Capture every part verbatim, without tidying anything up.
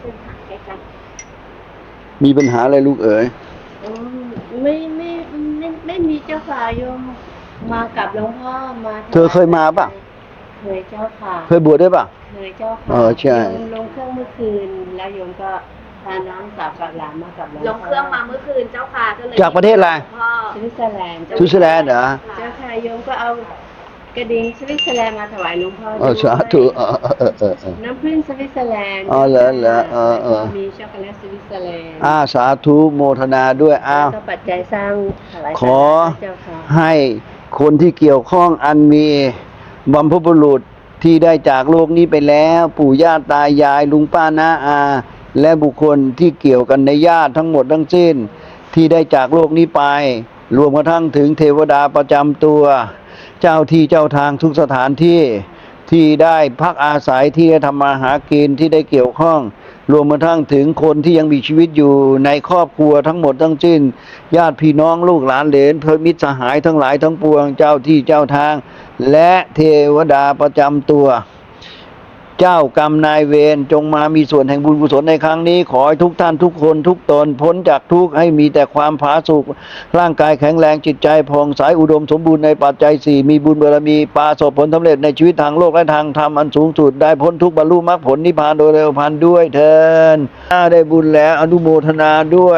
ขึ้นหาใกล้ๆมีปัญหาอะไรลูกเอ๋ยๆอืมไม่ไม่ไม่ไม่มีเจ้าค่ะโยมมากับหลวงพ่อมาเธอเคยมาป่ะเคยเจ้าค่ะเคยบวชด้วยป่ะเคยเจ้าเอค่ะอใช่โยมลงเครื่องเมื่อคืนแล้วโยมก็พาน้องสาวกับหลานมากับหลวงพ่อลงเครื่องมาเมื่อคืนเจ้าค่ะก็เลยจากประเทศอะไรพ่อสวิตเซอร์แลนด์สวิตเซอร์แลนด์เหรอเจ้าค่ะโยมก็เอากระดิ่งสวิตเซอร์แลนด์มาถวายหลวงพ่อเอด้อวยสาธุเออเออเออเออเออน้ำผึ้งสวิตเซอร์แลนด์อ๋อเหรอเหรอเออเออแล้วก็มีช็อกโกแลตสวิตเซอร์แลนด์อาสาธุโมทนาด้วยอ้าวแล้วก็ปัจจัยสร้างถวายขอเจ้าค่ะให้คนที่เกี่ยวข้องอันมีบัมพบุรุษที่ได้จากโลกนี้ไปแล้ว ปู่ย่าตายายลุงป้าน้าอา และบุคคลที่เกี่ยวกันในญาติทั้งหมดทั้งสิ้น ที่ได้จากโลกนี้ไป รวมกระทั่งถึงเทวดาประจำตัว เจ้าที่เจ้าทางทุกสถานที่ที่ได้พักอาศัยที่ได้ทำมาหากินที่ได้เกี่ยวข้อง รวมกระทั่งถึงคนที่ยังมีชีวิตอยู่ในครอบครัวทั้งหมดทั้งสิ้น ญาติพี่น้องลูกหลานเหลนเพื่อนมิตรสหายทั้งหลายทั้งปวงเจ้าที่เจ้าทาง และเทวดาประจำตัว เจ้ากรรมนายเวรจงมามีส่วนแห่งบุญกุศลในครั้งนี้ ขอให้ทุกท่านทุกคนทุกตนพ้นจากทุกข์ให้มีแต่ความผาสุกร่างกายแข็งแรงจิตใจผ่องใสอุดมสมบูรณ์ในปัจจัยสี่มีบุญบารมีปราศผลสำเร็จในชีวิตทางโลกและทางธรรมอันสูงสุดได้พ้นทุกข์บรรลุมรรคผลนิพพานโดยเร็วพลันด้วยเถิดได้บุญแล้วอนุโมทนาด้วย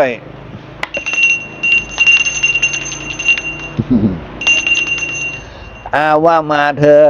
อาว่ามาเธอ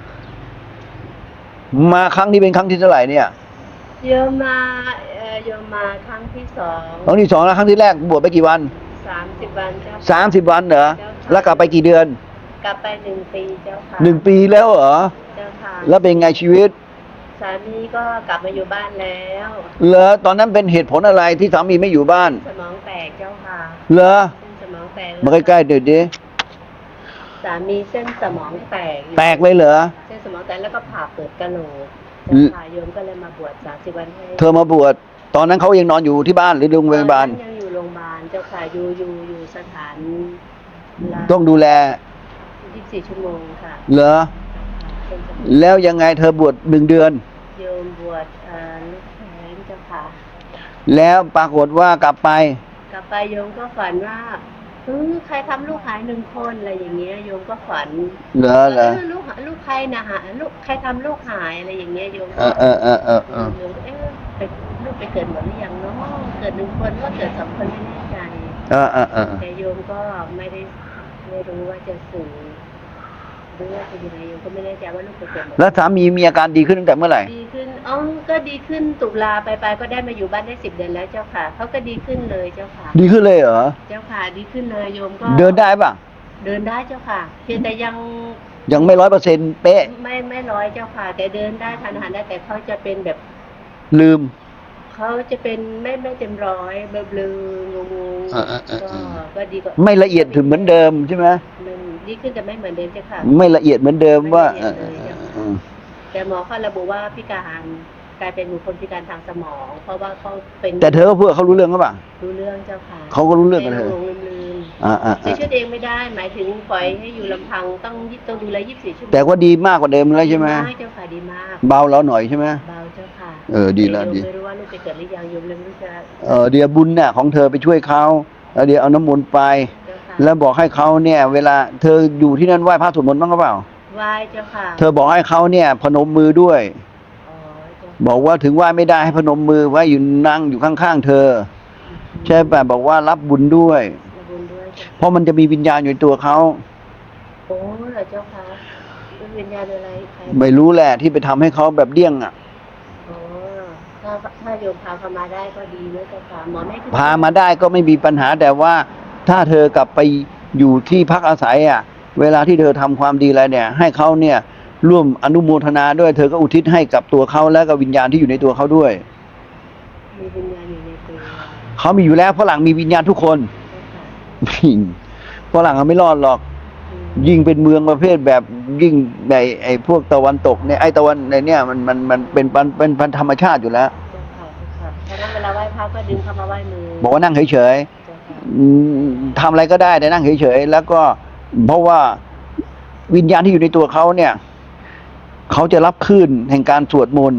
มาครั้งนี้เป็นครั้งที่เท่าไหร่เนี่ยโยมมาเอ่อโยมมาครั้งที่สองครั้งที่สองแล้วครั้งที่แรกบวชไปกี่วันสามสิบวันเจ้าค่ะสามสิบวันเหรอเจ้าค่ะแล้วกลับไปกี่เดือนกลับไปหนึ่งปีเจ้าค่ะหนึ่งปีแล้วเหรอเจ้าค่ะแล้วเป็นไงชีวิตสามีก็กลับมาอยู่บ้านแล้วเหรอตอนนั้นเป็นเหตุผลอะไรที่สามีไม่อยู่บ้านสมองแตกเจ้าค่ะเหรอเส้นสมองแตกมาใกล้ๆเดี๋ยวดิสามีเส้นสมองแตกอยู่แตกเลยเหรอเส้นสมองแตกแล้วก็ผ่าเปิดกะโหลกอืเจ้าม ค่ะโยมก็เลยมาบวชสามสิบวันให้เธอมาบวชตอนนั้นเขายังนอนอยู่ที่บ้านหรือโรงพยาบาลตอนนั้นยังอยู่โรงพยาบาลเจ้าค่ะอยู่อยู่อยู่สถานละต้องดูแลยี่สิบสี่ชั่วโมงค่ะเหรอเส้นสมองแล้วยังไงเธอบวชหนึ่งเดือนโยมบวชเอ่อลูกแขนเจ้าค่ะแล้วปรากฏว่ากลับไปกลับไปโยมก็ฝันว่าเออใครทำลูกหายหนึ่งคนอะไรอย่างเงี้ยโยมก็ฝันเหรอเหรอเออลูกหาลูกใครนะหาลูกใครทำลูกหายอะไรอย่างเงี้ยโยมเออเออเออเออเออโยมก็เอ๊ะไปลูกไปเกิดหมดหรือยังเนาะเกิดหนึ่งคนว่าเกิดสองคนไม่แน่ใจเออเออเออแต่โยมก็ไม่ได้ไม่รู้ว่าจะสื่อหรือว่าจะยังไงโยมก็ไม่แน่ใจว่าลูกไปเกิดหมดแล้วสามีมีอาการดีขึ้นตั้งแต่เมื่อไหร่ดีขึ้นอ๋อก็ดีขึ้นตุลาไปไปก็ได้มาอยู่บ้านได้สิบเดือนแล้วเจ้าค่ะเขาก็ดีขึ้นเลยเจ้าค่ะดีขึ้นเลยเหรอเจ้าค่ะดีขึ้นเลยโยมก็เดินได้ป่ะเดินได้เจ้าค่ะเพียงแต่ยังยังไม่ร้อยเปอร์เซ็นต์เป๊ะไม่ไม่ร้อยเจ้าค่ะ แต่เดินได้ทานอาหารได้แต่เขาจะเป็นแบบลืมเขาจะเป็นไม่ไม่เต็มร้อยเบลอเบลองงงอ่าอ่าอ่าก็ก็ดีกว่าไม่ละเอียดถึงเหมือนเดิมใช่ไหมมันดีขึ้นแต่ไม่เหมือนเดิมเจ้าค่ะไม่ละเอียดเหมือนเดิมว่าไม่ละเอียดเลยเออเออแต่หมอเขาระบุว่าพิการกลายเป็นบุคคลพิการทางสมอง เพราะว่าเขาเป็นแต่เธอก็พูดกับเขารู้เรื่องหรือเปล่ารู้เรื่องเจ้าค่ะเขาก็รู้เรื่องกับเธอหลงลืมอ่าอ่าๆใช้ชีวิตเองไม่ได้ หมายถึงปล่อยให้อยู่ลำพังต้องต้องดูแลยี่สิบสี่ชั่วโมงแต่ว่าดีมากกว่าเดิมแล้วใช่ไหมดีากเจ้าค่ะดีมากเบาแล้วหน่อยใช่ไหมเบาเจ้าค่ะเออดีแล้วโยมดีไม่รู้ว่าลูกไปเกิดหรือยังโยมเลยไม่รู้จะเออเดี๋ยวบุญเนี่ยของเธอไปช่วยเขาแล้วเดี๋ยวเอาน้ำมนต์ไปเจ้าค่ะแล้วบอกให้เขาเนี่ย เวลาเธออยู่ที่นั่นไหว้พระสวดมนต์บ้างหรือเปล่าไหว้เจ้าค่ะเธอบอกให้เขาเนี่ยพนมมือด้วยอ๋อเจ้าบอกว่าถึงไหว้ไม่ได้ให้พนมมือไว้อยู่นั่งอยู่ข้างๆเธอ ใช่ป่ะบอกว่ารับบุญด้วยขอบคุณด้วยเจ้าเพราะมันจะมีวิญญาณอยู่ในตัวเขาโอ้เหรอเจ้าค่ะเป็นวิญญาณอะไรใครไม่รู้แหละที่ไปทำให้เขาแบบเดี้ยงอ่ะอ๋อถ้าถ้าโยมพาเขามาได้ก็ดีนะเจ้าค่ะหมอไม่ขึ้นพามาได้ก็ไม่มีปัญหาแต่ว่าถ้าเธอกลับไปอยู่ที่พักอาศัยอ่ะ เวลาที่เธอทำความดีอะไรเนี่ย ให้เขาเนี่ยร่วมอนุโมทนาด้วย เธอก็อุทิศให้กับตัวเขาและกับวิญญาณที่อยู่ในตัวเขาด้วยมีวิญญาณอยู่ในตัวเขามีอยู่แล้วฝรั่งมีวิญญาณทุกคนเจ้าค่ะฝรั่งเขาไม่รอดหรอกอืมยิ่งเป็นเมืองประเภทแบบยิ่งในไอ้พวกตะวันตกเนี่ยไอ้ตะวันในเนี่ยมันมันมันเป็นเป็นเป็นพันธรรมชาติอยู่แล้วเจ้าค่ะเจ้าค่ะเพราะฉะนั้นเวลาไหว้พระก็ดึงเข้ามาไหว้มือบอกว่านั่งเฉยเจ้าค่ะๆอืมทำอะไรก็ได้แต่นั่งเฉยๆแล้วก็เพราะว่าวิญญาณที่อยู่ในตัวเขาเนี่ยเขาจะรับคลื่นแห่งการสวดมนต์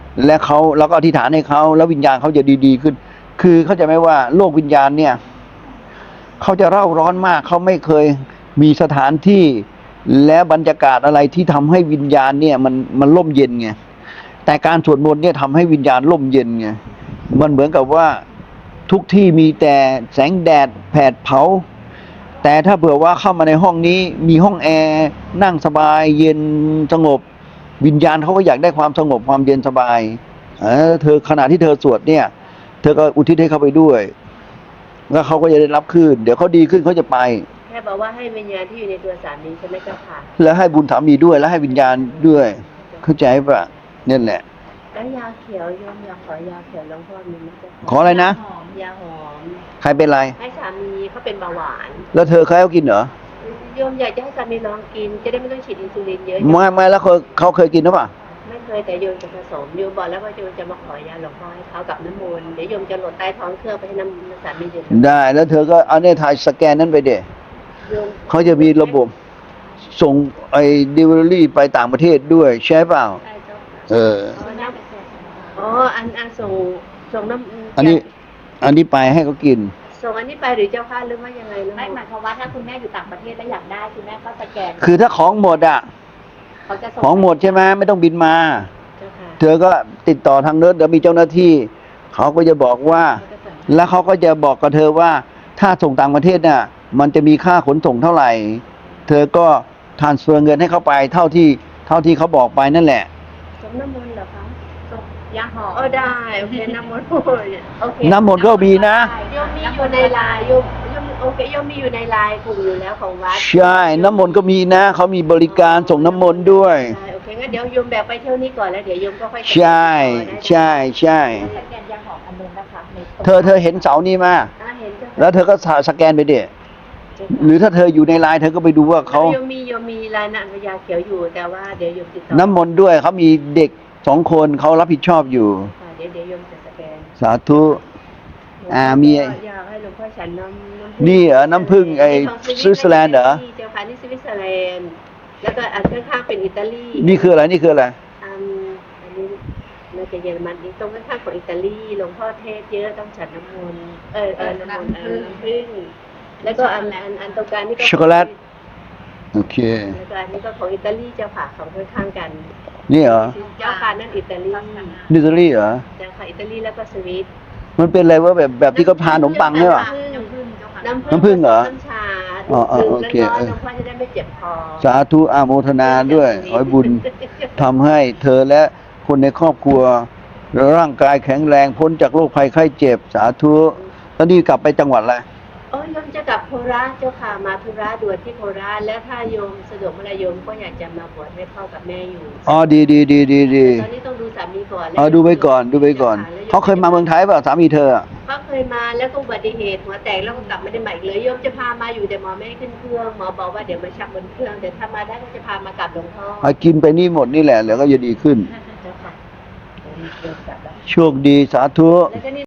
และเขาแล้วก็อธิษฐานให้เขาแล้ววิญญาณเขาจะดีๆขึ้น คือเข้าใจไหมว่าโลกวิญญาณเนี่ยเขาจะเร่าร้อนมากเขาไม่เคยมีสถานที่และบรรยากาศอะไรที่ทำให้วิญญาณเนี่ยมันมันร่มเย็นไงแต่การสวดมนต์เนี่ยทำให้วิญญาณร่มเย็นไงมันเหมือนกับว่าทุกที่มีแต่แสงแดดแผดเผาแต่ถ้าเผื่อว่าเข้ามาในห้องนี้มีห้องแอร์นั่งสบายเย็นสงบวิญญาณเขาก็อยากได้ความสงบความเย็นสบายเออเธอขณะที่เธอสวดเนี่ยเธอก็อุทิศให้เขาไปด้วยแล้วเขาก็จะได้รับขึ้นเดี๋ยวเขาดีขึ้นเขาจะไปแค่บอกว่าให้วิญญาณที่อยู่ในตัวสามีใช่ไหมเจ้าค่ะแล้วให้บุญสามีด้วยแล้วให้วิญญาณด้วย เข้าใจปะนี่แหละแล้วยาเขียวโยมอยากขอยาเขียวหลวงพ่อมีไหมเจ้าค่ะขออะไรนะหอมยาหอมใครเป็นไรให้สามีเขาเป็นเบาหวานแล้วเธอเคยเอากินเหรอโยมอยากจะให้สามีลองกิน จะได้ไม่ต้องฉีดอินซูลินเยอะไม่ไม่แล้วเขาเขาเคยกินหรือเปล่าไม่เคยแต่โยมจะผสมโยมบอกแล้วว่าโยมจะมาขอยาหลวงพ่อให้เขากับน้ำมนต์เดี๋ยวโยมจะโหลดใต้ท้องเครื่องไปให้น้ำสามีดื่มได้แล้วเธอก็เอาเนี่ยถ่ายสแกนนั้นไปเด็โยมเขาจะมีระบบส่งไอ้ดิวอรี่ไปต่างประเทศด้วยใช่เปล่าใช่เจ้าค่ะเอออ๋อน้ำอ๋ออันอันส่งส่งน้ำอันนี้ อันนี้ไปให้เขากินส่งอันนี้ไปหรือเจ้าค่ะหรือว่ายังไงนะไม่หมายความว่าถ้าคุณแม่อยู่ต่างประเทศแล้วอยากได้คุณแม่ก็สแกนคือถ้าของหมดอ่ะเขาจะส่งของหมดใช่ไหมไม่ต้องบินมาเจ้าค่ะเธอก็ติดต่อทางเนิร์ดเดี๋ยวมีเจ้าหน้าที่ เขาก็จะบอกว่า แล้วเขาก็จะบอกกับเธอว่าถ้าส่งต่างประเทศน่ะ มันจะมีค่าขนส่งเท่าไหร่ เธอก็ทรานสเฟอร์เงินให้เขาไปเท่าที่เท่าที่เขาบอกไปนั่นแหละส่งน้ำมนต์เหรอคะส่งยาหอมอ๋อได้โอเคน้ำมนต์โอ้ยโอเคน้ำมนต์ก็มีนะโยมมีอยู่ในไลน์โยมโยมโอเคโยมมีอยู่ในไลน์กลุ่มอยู่แล้วของวัดใช่ น้ำมนต์ก็มีนะเขามีบริการส่งน้ำมนต์ด้วยใช่โอเคงั้นเดี๋ยวโยมแบกไปเที่ยวนี้ก่อนแล้วเดี๋ยวโยมก็ค่อยใช่ใช่ใช่สแกนยาหอมอันนึงนะคะในเธอเธอเห็นเสานี้มาอ่าเห็นเจ้าค่ะแล้วเธอก็สแกนไปเด็หรือถ้าเธออยู่ในไลน์เธอก็ไปดูว่าเขาโยมมีโยมมีไลน์นันยาเขียวอยู่แต่ว่าเดี๋ยวโยมติดต่อน้ำมนต์ด้วยเขามีเด็กสองคนเขารับผิดชอบอยู่ค่ะเดี๋ยวเดี๋ยวโยมจะสแกนสาธุ อ่ามีอยากให้หลวงพ่อฉันน้ำน้ำผึ้งนี่เหรอน้ำผึ้งไอ้ของสวิตเซอร์แลนด์เหรอนี่เจ้าค่ะนี่สวิตเซอร์แลนด์แล้วก็อันข้างๆเป็นอิตาลีนี่คืออะไรนี่คืออะไรอันอันนี้น่าจะเยอรมันอีกตรงข้างๆของอิตาลีหลวงพ่อเทศเยอะต้องฉันน้ำมนต์เออเออน้ำมนต์เออน้ำผึ้งแล้วก็อันอันอันตรงกลางนี่ก็ช็อกโกแลต โอเคแล้วก็อันนี้ก็ของอิตาลีเจ้าค่ะของข้างๆกันนี่เหรอเจ้าค่ะนั่นอิตาลีนิวซีแลนด์เหรอเจ้าค่ะอิตาลีแล้วก็สวิตมันเป็นอะไรว่าแบบแบบที่เขาทานขนมปังเนี่ยป่ะน้ำผึ้งเจ้าค่ะน้ำผึ้งน้ำผึ้งเหรอน้ำชาอ๋ออ๋อดื่มโอเคร้อนเออๆหลวงพ่อจะได้ไม่เจ็บคอสาธุอาโมทนาด้วยขอให้บุญทำให้เธอและคนในครอบครัว ร่างกายแข็งแรงพ้นจากโรคภัยไข้เจ็บ สาธุแล้วนี่กลับไปจังหวัดอะไรโอ้ยโยมจะกลับโคราชเจ้าค่ะมาธุระด่วนที่โคราชแล้วถ้าโยมสะดวกเมื่อไหรโยมก็อยากจะมาบวชให้พ่อกับแม่อยู่อ๋อดีดีดีดีดีตอนนี้ต้องดูสามีก่อนแล้วอ๋อดูไปก่อนดูไปก่อน เขาเคยมาเมืองไทยเปล่ะสามีเธออะเขาเคยมาแล้วก็อุบัติเหตุหัวแตกแล้วก็กลับไม่ได้มาอีกเลยโยมจะพามาอยู่แต่หมอไม่ให้ขึ้นเครื่องหมอบอกว่าเดี๋ยวมาชักบนเครื่องแต่ถ้ามาได้ก็จะพามากลับหลวงพ่อเอากินไปนี่หมดนี่แหละแล้วก็จะดีขึ้นเจ้าค่ะโยมกลับแล้วโชคดีสาธุแล้วก็นี่